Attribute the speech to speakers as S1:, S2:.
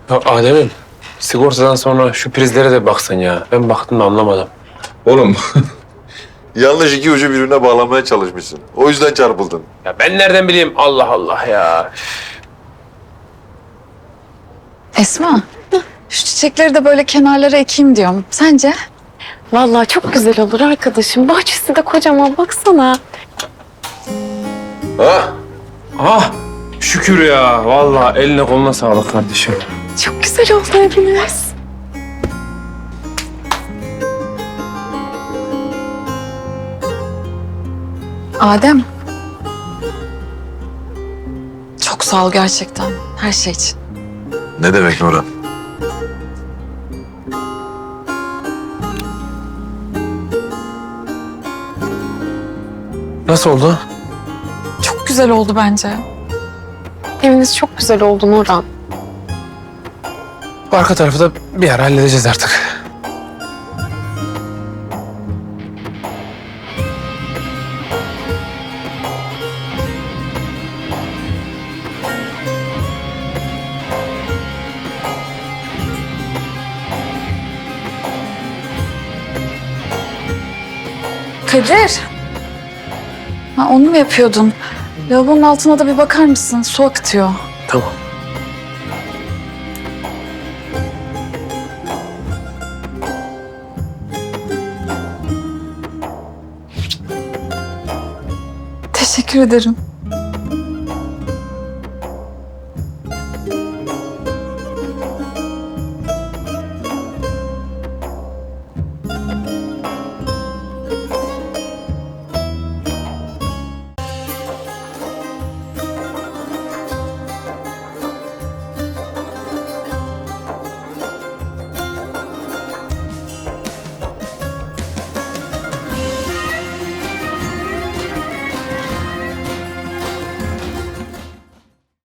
S1: Ya Adem'im, sigortadan sonra şu prizlere de baksan ya. Ben baktım da anlamadım.
S2: Oğlum yanlış iki ucu birbirine bağlamaya çalışmışsın. O yüzden çarpıldın.
S1: Ya ben nereden bileyim? Allah Allah ya.
S3: Esma, şu çiçekleri de böyle kenarlara ekeyim diyorum. Sence?
S4: Vallahi çok güzel olur arkadaşım. Bahçesi de kocaman baksana.
S2: Ha?
S1: Ah, şükür ya. Vallahi eline koluna sağlık kardeşim.
S4: Çok güzel oldu eviniz.
S3: Adem. Çok sağ ol gerçekten. Her şey için.
S2: Ne demek Nurhan?
S1: Nasıl oldu?
S3: Çok güzel oldu bence.
S4: Eviniz çok güzel oldu Nurhan.
S1: Bu arka tarafı da bir ara halledeceğiz artık.
S3: Kadir. Ha, onu mu yapıyordun? Lavabonun altına da bir bakar mısın? Su akıtıyor.
S1: Tamam.
S3: Teşekkür ederim.